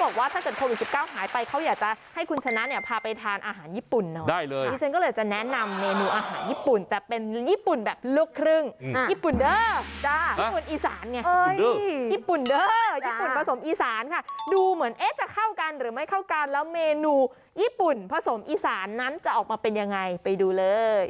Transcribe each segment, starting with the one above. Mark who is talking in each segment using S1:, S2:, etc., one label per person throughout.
S1: บอกว่าถ้าเกิดโควิด -19 หายไปเขาอยากจะให้คุณชนะเนี่ยพาไปทานอาหารญี่ปุ่นหน่อย
S2: ได้เลย
S1: ดิฉันก็เลยจะแนะนำเมนูอาหารญี่ปุ่นแต่เป็นญี่ปุ่นแบบลูกครึ่งญี่ปุ่นเด้อจ้าญี่ปุ่นอีสานไงญี่ปุ่นเด้อญี่ปุ่นผสมอีสานค่ะดูเหมือนจะเข้ากันหรือไม่เข้ากันแล้วเมนูญี่ปุ่นผสมอีสานนั้นจะออกมาเป็นยังไงไปดูเลย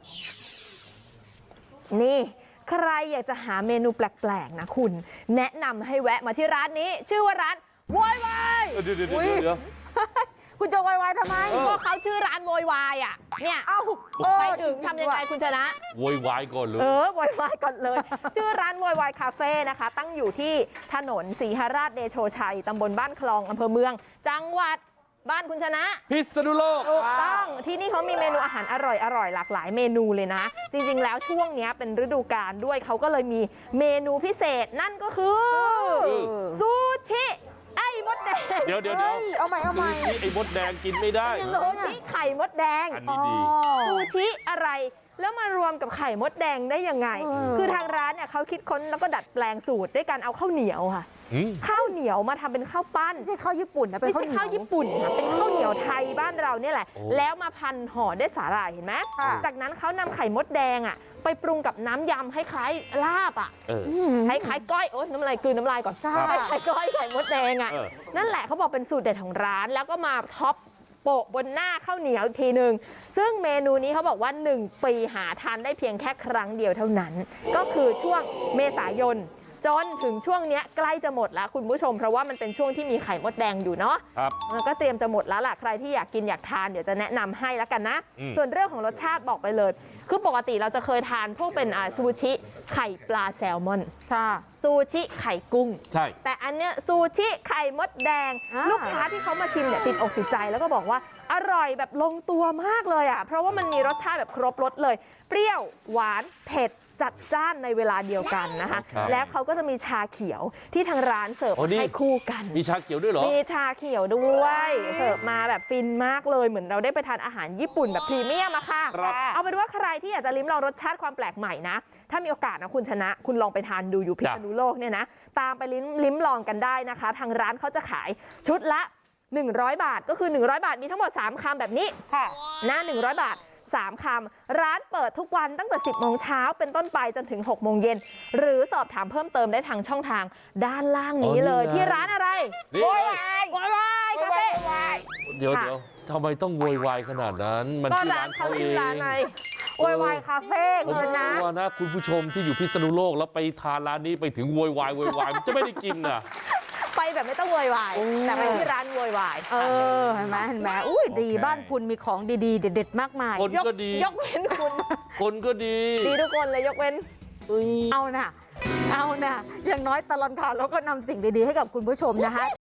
S1: นี่ใครอยากจะหาเมนูแปลกๆนะคุณแนะนำให้แวะมาที่ร้านนี้ชื่อว่าร้านโวยวาย
S2: เดี๋ยว
S3: คุณจะวายทำไม
S1: ก็เขาชื่อร้านโวยวายอ่ะเนี่ยไปถึงทำยังไงคุณชนะ
S2: โวยวายก่อนเลย
S1: โวยวายก่อนเลยชื่อร้านโวยวายคาเฟ่นะคะตั้งอยู่ที่ถนนศรีหราชเดโชชัยตำบลบ้านคลองอำเภอเมืองจังหวัดบ้านคุณชนะ
S2: พิษณุโลก
S1: ถูกต้องที่นี่เขามีเมนูอาหารอร่อยหลากหลายเมนูเลยนะจริงๆแล้วช่วงนี้เป็นฤดูกาลด้วยเขาก็เลยมีเมนูพิเศษนั่นก็คือซูชิไอ้มดแดง
S2: เดี๋ยว
S3: เอาใหม่
S2: ซูชิไอ้มดแดงกินไม่ได้
S1: ซูชิไข่มดแดง
S2: อันนี้ดี
S1: ซูชิอะไรแล้วมารวมกับไข่มดแดงได้ยังไงคือทางร้านเนี่ยเขาคิดค้นแล้วก็ดัดแปลงสูตรด้วยการเอาข้าวเหนียวค่ะข้าวเหนียวมาทำเป็นข้าวปั้น
S3: ไม่ใช่ข้าวญี่ปุ่นนะเป็นข้าวเหนียว
S1: ไม่ใช่ข้าวญี่ปุ่นนะเป็นข้าวเหนียวไทยบ้านเราเนี่ยแหละแล้วมาพันห่อด้วยสาหร่ายเห็นไหมจากนั้นเขานำไข่มดแดงไปปรุงกับน้ำยำให้คล้ายลาบให้คล้ายก้อยน้ำลายคืนน้ำลายก่อนให้คล้ายก้อยไข่มดแดงนั่นแหละเขาบอกเป็นสูตรเด็ดของร้านแล้วก็มาท็อปโปะบนหน้าข้าวเหนียวอีกทีนึงซึ่งเมนูนี้เขาบอกว่า1 ปีหาทานได้เพียงแค่ครั้งเดียวเท่านั้นก็คือช่วงเมษายนจนถึงช่วงนี้ใกล้จะหมดแล้วคุณผู้ชมเพราะว่ามันเป็นช่วงที่มีไข่มดแดงอยู่เนาะมันก็เตรียมจะหมดแล้วล่ะใครที่อยากกินอยากทานเดี๋ยวจะแนะนำให้แล้วกันนะส่วนเรื่องของรสชาติบอกไปเลยคือปกติเราจะเคยทานพวกเป็นซูชิไข่ปลาแซลมอนซูชิไข่กุ้ง
S2: ใช่
S1: แต่อันเนี้ยซูชิไข่มดแดงลูกค้าที่เขามาชิมเนี่ยติดอกติดใจแล้วก็บอกว่าอร่อยแบบลงตัวมากเลยเพราะว่ามันมีรสชาติแบบครบรสเลยเปรี้ยวหวานเผ็ดจัดจ้านในเวลาเดียวกันนะคะแล้วเขาก็จะมีชาเขียวที่ทางร้านเสิร์ฟให้คู่กัน
S2: มีชาเขียวด้วยเหรอ
S1: มีชาเขียวด้วยเสิร์ฟมาแบบฟินมากเลยเหมือนเราได้ไปทานอาหารญี่ปุ่นแบบพรีเมียมอะค่ะเอาเป็นว่าใครที่อยากจะลิ้มลองรสชาติความแปลกใหม่นะถ้ามีโอกาสนะคุณชนะคุณลองไปทานดูอยู่พิษณุโลกเนี่ยนะตามไปลิ้มลองกันได้นะคะทางร้านเขาจะขายชุดละ100 บาทก็คือ100 บาทมีทั้งหมด3 คำแบบนี้นะ100 บาท3 คำร้านเปิดทุกวันตั้งแต่10 โมงเช้าเป็นต้นไปจนถึง6 โมงเย็นหรือสอบถามเพิ่มเติมได้ทางช่องทางด้านล่างนี้เลยที่ร้านอะไร
S2: โวยว
S1: ายคาเฟ่
S2: เดี๋ยวทำไมต้องโวยวายขนาดนั้นมันที่ร้านเขาเอง
S1: โวยวายคาเฟ่คุณนะ
S2: คุณผู้ชมที่อยู่พิษณุโลกแล้วไปทานร้านนี้ไปถึงโวยวายมันจะไม่ได้กินน่ะ
S1: ไปแบบไม่ต้องโวยวายแต่ไปที่ร้านโวยวาย
S3: เห็นไหมอุ้ยดีบ้านคุณมีของดีๆเด็ดๆมากมาย
S2: คนก็ดี
S1: ยกเว้นคุณ
S2: คนก็ดี
S1: ทุกคนเลยยกเว้น
S3: เอานะอย่างน้อยตลอดข่าวเราก็นำสิ่งดีๆให้กับคุณผู้ชมนะคะ